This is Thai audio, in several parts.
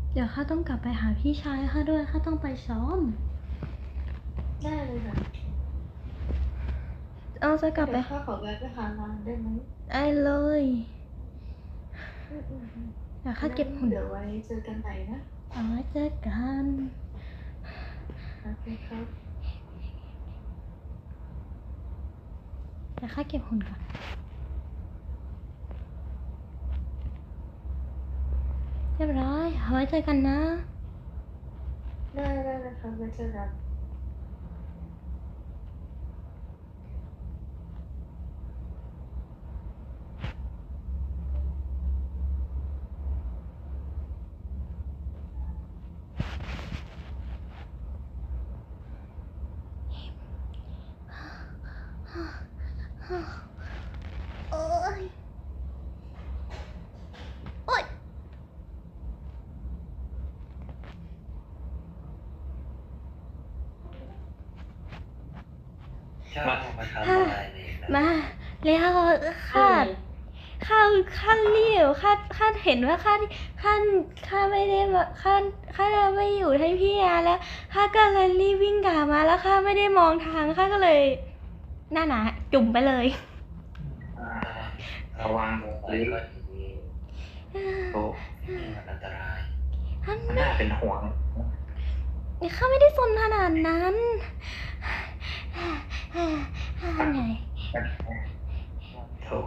เดี๋ยวข้าต้องกลับไปหาพี่ชายข้าด้วยข้าต้องไปซ้อมได้เลยค่ะเอาจะกลับไปข้าขอแวะไปหาร้านได้ไหมได้เลยเดี๋ยวข้าเก็บหุ่นเดี๋ยวไว้เจอกันใหม่นะเอาไว้เจอกันโอเคครับเดี๋ยวข้าเก็บหุ่นก่อนเรียบร้อยเอาไว้เจอกันนะได้นะครับไว้เจอกันโอ๊ยโอ๊ยเจ้ามาทำอะไรเนี่ยนะมาแล้วข้ารีบข้าเห็นว่าข้าไม่ได้ข้าไม่อยู่ให้พี่อาแล้วข้าก็เลยรีบวิ่งกลับมาแล้วข้าไม่ได้มองทางข้าก็เลยน่าหนาจุ่มไปเลยระวังอะไรก็ดีโอ้มันอันตรายมันน่าเป็นห่วงข้าไม่ได้สนขนาดนั้นไงโถ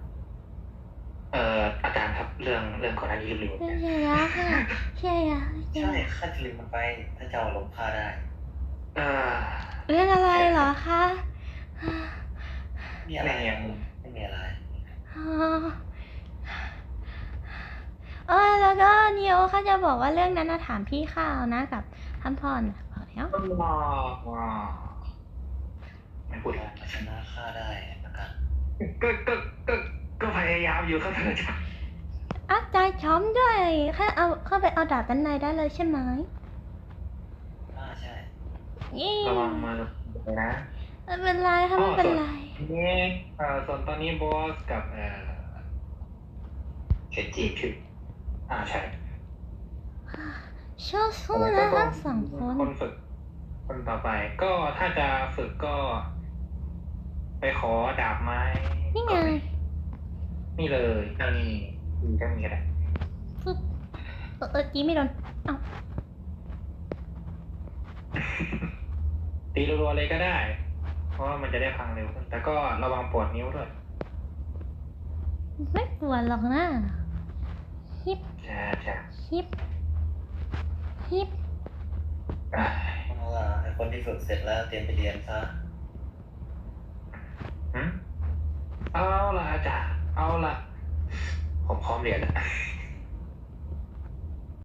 อาจารย์ครับเรื่องก่อนหน้านี้ลืมใช่แล้วค่ะใช่ข้าจะลืมมันไปถ้าเจ้าลงผ้าได้เรื่องอะไรเหรอคะมีอะไรไม่มีอะไรแล้วก็นิโอเขาจะบอกว่าเรื่องนั้นนะถามพี่ข้าวนะกับท่านพ่อนะบอกแล้วไม่พูดแล้วชนะข้าได้นะกันก็พยายามอยู่ครับท่านอาจารย์อาจารย์ช้อมด้วยเข้าไปเอาดาบด้านในได้เลยใช่ไหมใช่ระวังมานะไม่เป็นไรค่ะไม่เป็นไรนี่ส่วนตอนนี้บอสกับเข็นจีบชื่อใช่ชอบสู้นะทั้งสองคนฝึกคนต่อไปก็ถ้าจะฝึกก็ไปขอดาบไม้นี่ไงนี่เลยนี่ก็มีอะไรฝึกกี้ไม่โดนตีรัวๆเลยก็ได้เพราะว่ามันจะได้พังเร็วขึ้นแต่ก็ระวังปวดนิ้วด้วยไม่ปวดหรอกนะฮิปเอาล่ะไอ้คนที่ฝึกเสร็จแล้วเตรียมไปเรียนซะเอาล่ะอาจารย์เอาล่ะผมพร้อมเรียนแล้ว